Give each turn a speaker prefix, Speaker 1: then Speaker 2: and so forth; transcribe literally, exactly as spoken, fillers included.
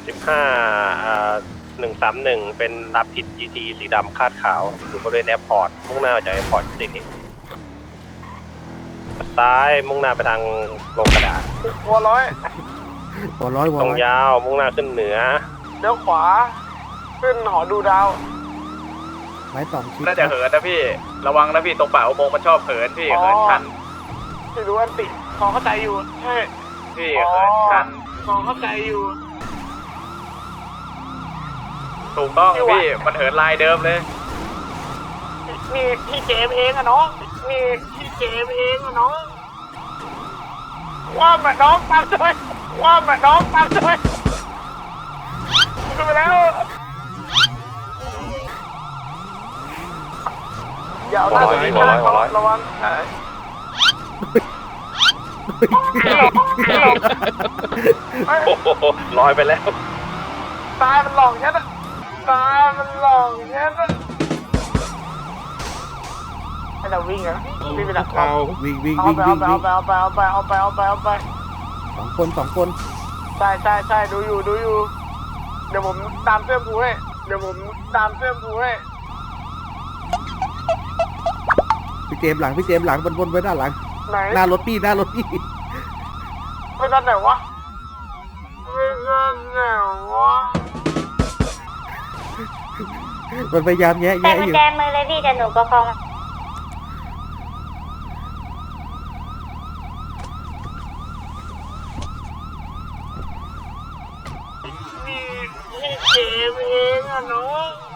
Speaker 1: สิบห้าอ่าหนึ่งสามหนึ่งเป็นรับผิด จี ที สีดำคาดขาวอยู่บริเวณแอร์พอร์ตมุ่งหน้าจากแอร์พอร์ตสิซ้ายมุ่งหน้าไปทางลงกระดาษ
Speaker 2: หัวร้อย
Speaker 3: หัวร้อยหัว
Speaker 1: ตรง
Speaker 3: ร้อย
Speaker 1: ยาวมุ่งหน้าขึ้นเหนือ
Speaker 2: เลี้ยวขวาขึ้นหอดูดาว
Speaker 3: ไม้สองชิ้น
Speaker 4: น่าจะเหินนะพี่ ระวังนะพี่ตรงป่าอุโมงค์มันชอบเหินพี่เหินชัน
Speaker 2: ที่รู้ว่าติพอเข้าใจอยู่ใช่
Speaker 4: พี่เหินชัน
Speaker 2: พอเข้าใจอยู่
Speaker 4: ถูกต้องพี่มันเหินลายเดิมเลย
Speaker 2: นี่พี่เจมเองอะน้องนี่พี่เจมเองอะน้องว่ามาน้องตามด้วยว่ามาน้องตามด้วยขึ้นไปแล้วอย่าเอาหน้าตัวนี้ข้างเขาระวัง
Speaker 1: โอ้โหลอยไปแล้ว
Speaker 2: ตายมันหลอกแค่นั้นตายมันหลอกแค่นั้นให้เราวิ่งอะวิ่งไปดักเรา
Speaker 3: วิ่งวิ่ง
Speaker 2: เอา
Speaker 3: วิ่ง
Speaker 2: ไป
Speaker 3: วิ่
Speaker 2: เอา
Speaker 3: ง
Speaker 2: ไป
Speaker 3: วิ่
Speaker 2: เอา
Speaker 3: ง
Speaker 2: ไปเอาไปเอาไปเอาไปเอาไปเอาไป
Speaker 3: สองคนสองคน
Speaker 2: ใช่ใช่ใช่ดูอยู่ดูอยู่เดี๋ยวผมตามเสื้อผูให้เดี๋ยวผมตามเสื้อผูให้
Speaker 3: พี่เจมส์หลังพี่เจมส์หลังบนบนไว้ด้านหลัง
Speaker 2: ไหน
Speaker 3: หน้ารถพี่หน้ารถพี่
Speaker 2: ไปด้านไหนวะไปด้านไหนวะ
Speaker 3: มันพยายามแยะ
Speaker 5: แต่
Speaker 3: แยะ
Speaker 5: กุ
Speaker 3: อ
Speaker 5: ญ
Speaker 3: ยู่
Speaker 5: แจมือเลยพี่จะหนูประคอง
Speaker 2: นี่พี่เจมเองอะน้อง